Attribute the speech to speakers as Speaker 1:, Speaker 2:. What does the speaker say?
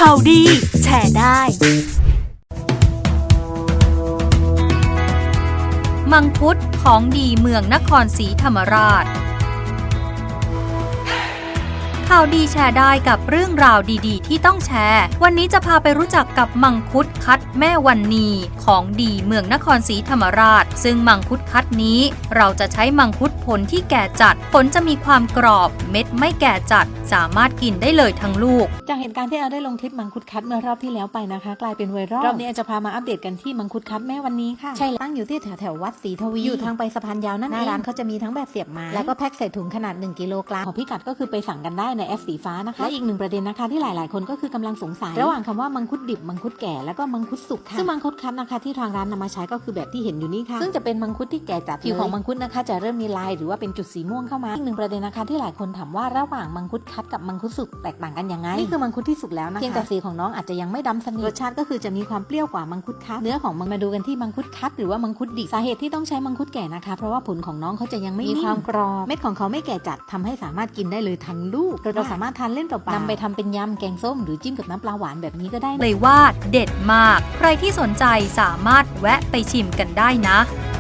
Speaker 1: ข่าวดีแชร์ได้
Speaker 2: มังคุดของดีเมืองนครศรีธรรมราชข่าวดีแชร์ได้กับเรื่องราวดีๆที่ต้องแชร์วันนี้จะพาไปรู้จักกับมังคุดคัดแม่วันนีของดีเมืองนครศรีธรรมราชซึ่งมังคุดคัดนี้เราจะใช้มังคุดผลที่แก่จัดผลจะมีความกรอบเม็ดไม่แก่จัดสามารถกินได้เลยทั้งลูก
Speaker 3: จากเหตุการณ์ที่เราได้ลงคลิปมังคุดคัดเมื่อรอบที่แล้วไปนะคะกลายเป็นไวรัลรอบนี้จะพามาอัปเดตกันที่มังคุดคัดแม่วันนี้ค่ะใช่ตั้งอยู่ที่แถววัดศรีทวีอยู่ทางไปสะพานยาวนั่นเองหน้าร้านเขาจะมีทั้งแบบเสียบไม้แล้วก็แพ็คใส่ถุงขนาด1 กิโลกรัมของพิกัดก็คือไปสั่งกันได้ในแอปสีฟ้านะคะและอีกหนึ่งประเด็นนะคะที่หลายๆคนก็คือกำลังสงสัยระหว่างคำว่ามังคุดดิบมังคุดแก่แล้วก็มังคุดสุกค่ะซึ่งมังคุดคัดนะคะที่ทางร้านนำมาใช้ก็คือแบบที่เห็นอยู่นี่ค่ะซึ่งจะเป็นมังคุดที่แก่จัดผิวของมังคุดนะคะจะเริ่มมีลายหรือว่าเป็นจุดสีม่วงเข้ามาอีกหนึ่งประเด็นนะคะที่หลายคนถามว่าระหว่างมังคุดคัดกับมังคุดสุกแตกต่างกันยังไงนี่คือมังคุดที่สุกแล้วนะคะเพียงแต่สีของน้องอาจจะยังไม่ดำสนิทรสชาติก็คือจะมีความเปรี้ยวกว่ามังคุดคัดเนื้อของมันมาดูกันที่มังคุดคัดหรือว่ามังคุดดิบสาเหตุที่ต้องใช้มังคุดแก่นะคะเพราะว่าผลของน้องเขาจะยังไม่มีความกรอบเม็ดของเขาไม่แก่จัดทำให้สามารถกินได้เลยทั้งลูกเราสามารถทานเล่นเปล่าๆนำไปทำเป็นยำแกงส้มหรือจิ้มกับน้ำปลาหวานแบบนี้ก็ได้
Speaker 2: เลยว่าเด็ดมากใครที่สนใจสามารถแวะไปชิมกันได้นะ